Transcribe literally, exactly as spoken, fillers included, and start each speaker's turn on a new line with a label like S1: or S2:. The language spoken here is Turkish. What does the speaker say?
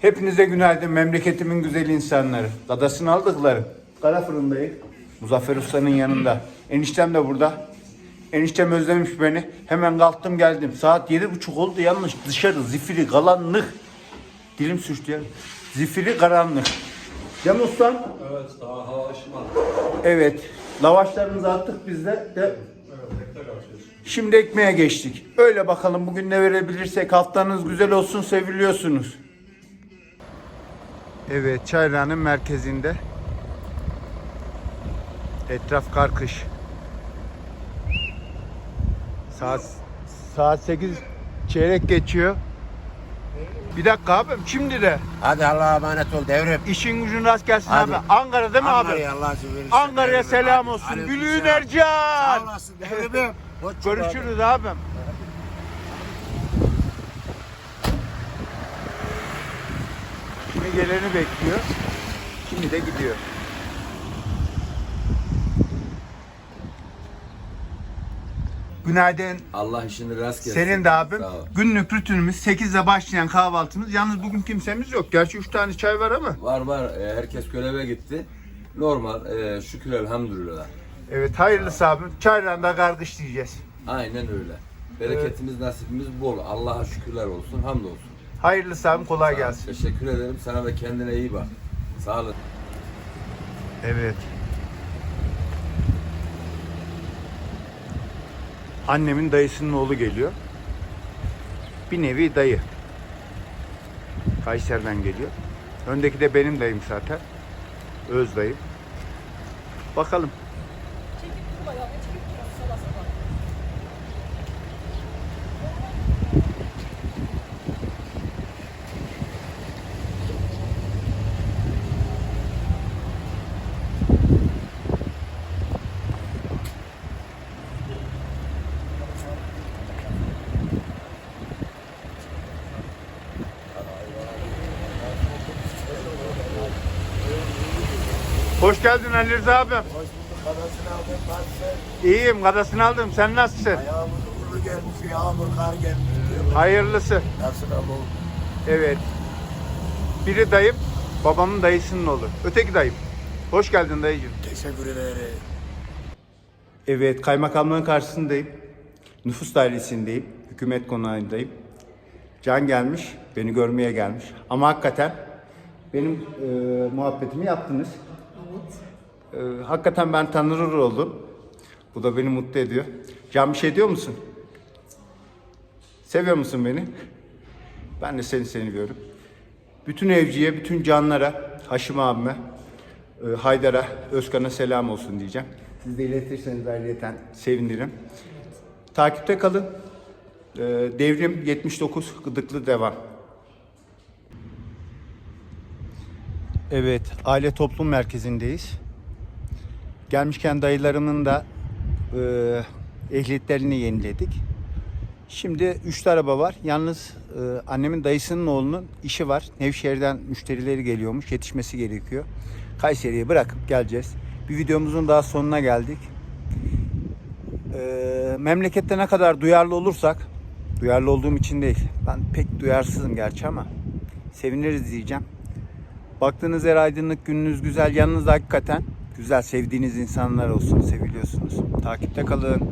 S1: Hepinize günaydın memleketimin güzel insanları. Dadasını aldıkları. Kara fırındayım. Muzaffer Usta'nın yanında. Eniştem de burada. Eniştem özlemiş beni. Hemen kalktım geldim. Saat yedi buçuk oldu yalnız dışarı zifiri karanlık. Dilim sürçtü ya. Zifiri karanlık. Değil mi ustam?
S2: Evet, daha hava ışımadı.
S1: Evet. Lavaşlarımızı attık biz de. de.
S2: Evet, tekrar açıyoruz.
S1: Şimdi ekmeğe geçtik. Öyle bakalım bugün ne verebilirsek. Haftanız güzel olsun, seviliyorsunuz. Evet, Çayra'nın merkezinde. Etraf karkış. Saat saat sekiz çeyrek geçiyor. Bir dakika abim şimdi de
S3: Hadi Allah'a emanet ol devrim.
S1: işin gücün rast gelsin
S3: Hadi.
S1: abi. Ankara değil mi abi?
S3: Ankara'ya Allah'a verirsen.
S1: Ankara'ya
S3: devrim.
S1: selam
S3: Hadi.
S1: olsun.
S3: Aleyküm
S1: Gülüğün
S3: selam.
S1: Ercan.
S3: Sağ olasın devrimim. Hoşça kal.
S1: Görüşürüz abim. Şimdi geleni bekliyor. Şimdi de gidiyor. Günaydın.
S2: Allah işini rast gelsin.
S1: Senin de abim.
S2: Sağ ol.
S1: Günlük rutinimiz sekizde başlayan kahvaltımız. Yalnız bugün kimsemiz yok. Gerçi üç tane çay var ama.
S2: Var var, e, herkes göreve gitti. Normal, e, şükür elhamdülillah.
S1: Evet hayırlısı abim. Çayla da kargış diyeceğiz.
S2: Aynen öyle. Bereketimiz, nasibimiz bol. Allah'a şükürler olsun, hamdolsun.
S1: Hayırlısı abim kolay
S2: Sağ ol,
S1: gelsin.
S2: Teşekkür ederim. Sana da kendine iyi bak. Sağ olun.
S1: Evet. Annemin dayısının oğlu geliyor. Bir nevi dayı. Kayseri'den geliyor. Öndeki de benim dayım zaten. Öz dayım. Bakalım. Hoş geldin Ali Rıza abim.
S3: Hoş bulduk. Kadasını aldım. Nasılsın?
S1: İyiyim, kadasını aldım. Sen nasılsın?
S3: Ayağımız uğurlu gelmiş. Yağmur kar gelmiş.
S1: Hayırlısı.
S3: Nasıl oldu?
S1: Evet. Biri dayım, babamın dayısının oğlu. Öteki dayım. Hoş geldin dayıcığım.
S3: Teşekkür ederim.
S1: Evet, kaymakamlığın karşısındayım. Nüfus dairesindeyim. Hükümet konağındayım. Can gelmiş, beni görmeye gelmiş. Ama hakikaten benim e, muhabbetimi yaptınız. Evet. E, hakikaten ben tanınır oldum. Bu da beni mutlu ediyor. Can bir şey diyor musun? Seviyor musun beni? Ben de seni seviyorum. Bütün evciye, bütün canlara, Haşim abime, e, Haydar'a, Özkan'a selam olsun diyeceğim. Siz de iletirseniz ayrıyeten sevinirim. Takipte kalın. E, Devrim yetmiş dokuz Gıdıklı devam. Evet, aile toplum merkezindeyiz. Gelmişken dayılarımın da e, ehliyetlerini yeniledik. Şimdi üçlü araba var. Yalnız e, annemin dayısının oğlunun işi var. Nevşehir'den müşterileri geliyormuş. Yetişmesi gerekiyor. Kayseri'ye bırakıp geleceğiz. Bir videomuzun daha sonuna geldik. E, memlekette ne kadar duyarlı olursak, duyarlı olduğum için değil. Ben pek duyarsızım gerçi ama seviniriz diyeceğim. Baktığınız yer aydınlık, gününüz güzel. Yanınızda hakikaten güzel, sevdiğiniz insanlar olsun. Seviliyorsunuz. Takipte kalın.